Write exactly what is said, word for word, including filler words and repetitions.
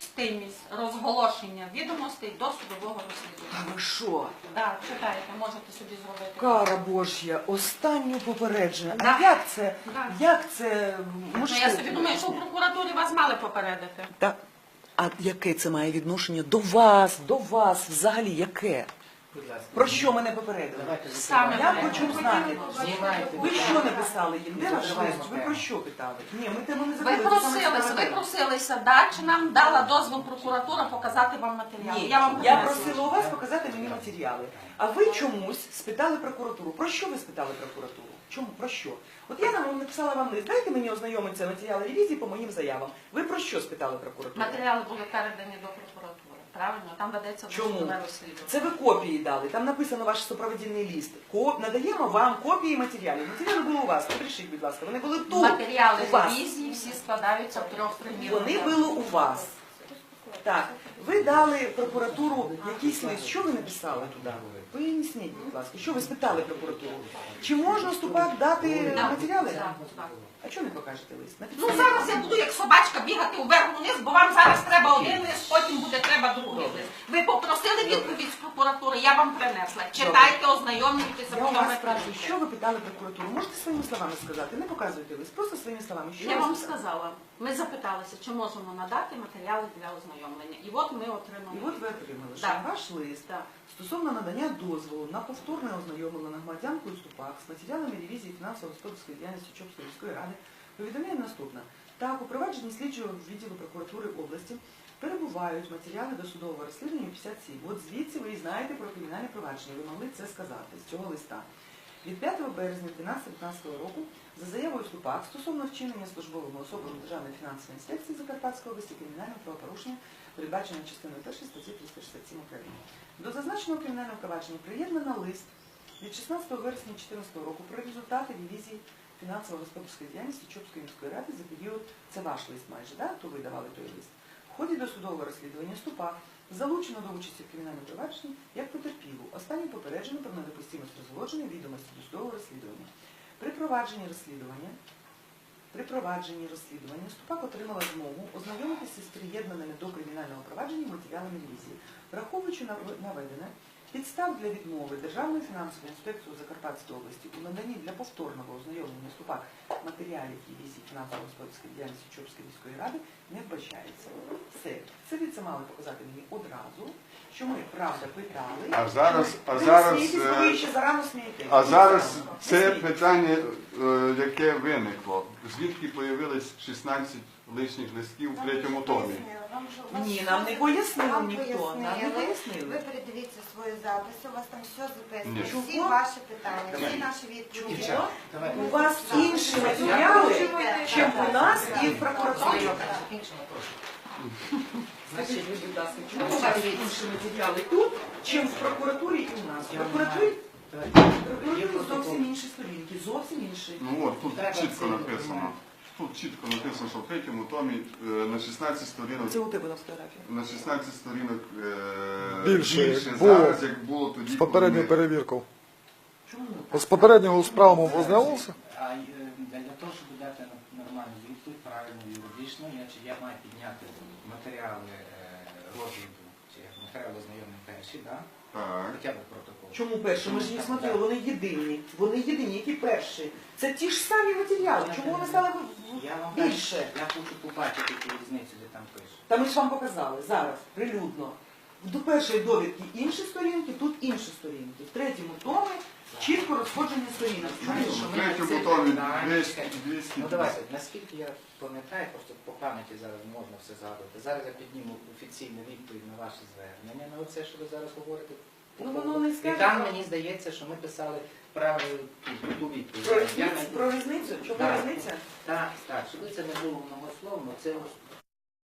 Стимість розголошення відомостей до судового розслідування. А ви що? Так, читайте, можете собі зробити. Кара Божя, останнє попередження. Да. А як це? Да. Як це Ну, можливо? я собі думаю, що в прокуратурі вас мали попередити. Та, а яке це має відношення до вас, до вас взагалі, яке? Будь ласка. Про що мене попередили? Саме Я мене. хочу знати. Знімайте. Ви що написали їм? Де ваш Закриваємо лист? Ви тему. про що питали? Ні, ми тему не Ви закрили. це саме просилися, ви справедливо. просилися, да, чи нам дала дозвіл прокуратура показати вам матеріали? Ні, Я вам я принесла. просила у вас показати мені матеріали. А ви чомусь спитали прокуратуру. Про що ви спитали прокуратуру? Чому? Про що? От я нам написала вам лист. Дайте мені ознайомитися матеріали ревізії по моїм заявам. Ви про що спитали прокуратуру? Матеріали були передані до прокуратури. Правильно? Там ведеться Чому? досудове розслідування. Це ви копії дали. Там написано ваш супроводільний лист. Ко... Надаємо вам копії матеріалів. Матеріали були у вас. Напишіть, будь ласка. Вони були тут. Матеріали у вас. ревізії всі складаються в трьох примірах. Вони були у вас. Так. Ви дали прокуратуру якийсь лист. Що ви написали туди? Поясніть, будь ласка. Що ви спитали прокуратуру? Чи можна ступак дати Так, матеріали? так, так. А чого не покажете лист? Ну зараз я буду як собачка бігати уверх-вниз, бо вам зараз треба один лист, потім буде треба другий лист. Ви попросили відповідь з прокуратури, я вам принесла. Читайте, ознайомлюйтеся, Я у потім вас ви спрашиваю, що ви питали прокуратуру? Можете своїми словами сказати? Не показуйте лист, просто своїми словами. Що Я ви вам спитали? сказала, ми запиталися, чи можемо надати матеріали для ознайомлення. І от ми отримали. І от ви отримали, що Так. ваш лист Так. стосовно надання дозволу на повторне ознайомлення громадянкою Ступак з матеріалами ревізії фінансово-господарської діяльності Чопської міської ради повідомляє наступне. Так, у провадженні слідчого відділу прокуратури області перебувають матеріали до судового розслідування п'ятдесят сім. От звідси ви і знаєте про кримінальне провадження. Ви могли це сказати з цього листа. Від п'ятого березня дві тисячі дев'ятнадцятого року за заявою Ступак стосовно вчинення службовими особами Державної фінансової інспекції Закарпатської області кримінального правопорушення, передбаченого частиною першої статті триста шістдесят сім України. До зазначеного кримінального провадження приєднано лист від шістнадцятого вересня дві тисячі чотирнадцятого року про результати ревізії фінансово-господарської діяльності Чопської міської ради за період, це ваш лист майже, да? То ви давали той лист. В ході досудового розслідування Ступак залучено до участі в кримінальному провадженні як потерпілу. Останній попереджено про недопустимість розголошення відомості досудового розслідування. При провадженні розслідування При провадженні розслідування Ступак отримала змогу ознайомитися з приєднаними до кримінального провадження матеріалами ревізії. Враховуючи наведене, підстав для відмови Державної фінансової інспекції Закарпатської області у наданні для повторного ознайомлення Ступак матеріалів ревізії фінансово-господарської діяльності Чопської міської ради не вбачається. Все. Це ви це мали показати мені одразу, що ми, правда, питали. А зараз, а ви зараз, смієтесь, бо ви ще зарано смієтесь. а зараз Не це смійтесь. питання, е, яке виникло. Звідки появилось шістнадцять лишніх листків у третьому томі? Ні, нам не пояснив Вам ніхто. Нам не пояснили. Ви пояснили. передивіться свої записи, у вас там все записано. Ні. Всі Чого? ваші питання, всі наші відповіді. Дівчата, давайте. У вас інші матеріали, чим у нас і в прокуратурі. Закінчимо прошу. Скажіть, будь ласка, чому у вас інші матеріали тут, чим в прокуратурі і у нас? В прокуратурі, Давайте. в Є прокуратурі протокол. зовсім інші сторінки, зовсім інші. Ну от, тут Треба чітко цей написано. документ. Тут чітко написано, що в третьому томі е, на шістнадцять сторінок, Це у тебе на фотографії. на шістнадцять сторінок е, Більше, більше як було зараз, як було тоді. З попередньою коли ми- перевіркою. Чому? З попереднього справами ознайомився? А е, для для того, щоб дати нормальну відповідь, правильно юридично, я, чи я маю підняти матеріали е, розгляду, чи матеріали знайомі перші, да? Так. Хоча б протокол. Чому перші? Ми ж не смотрели, вони єдині. Вони єдині, які перші. Це ті ж самі матеріали. Чому вони стали Я вам більше? я хочу побачити ту різницю, де там пише. Та ми ж вам показали зараз, прилюдно. До першої довідки інші сторінки, тут інші сторінки. В третьому томі чітко розходження сторінок. Чому? Знаєш, що В ми третьому це томі питання, двісті, чекайте. двісті. Ну давайте, наскільки я пам'ятаю, просто по пам'яті зараз можна все згадувати. Зараз я підніму офіційну відповідь на ваше звернення, на оце, що ви зараз говорите. Ну, воно не І скаже. там мені здається, що ми писали правильну ту- ту відповідь. Про Я різницю? не- Про різницю? Чому Так. різниця? Так, так, щоб це не було многословно, це ось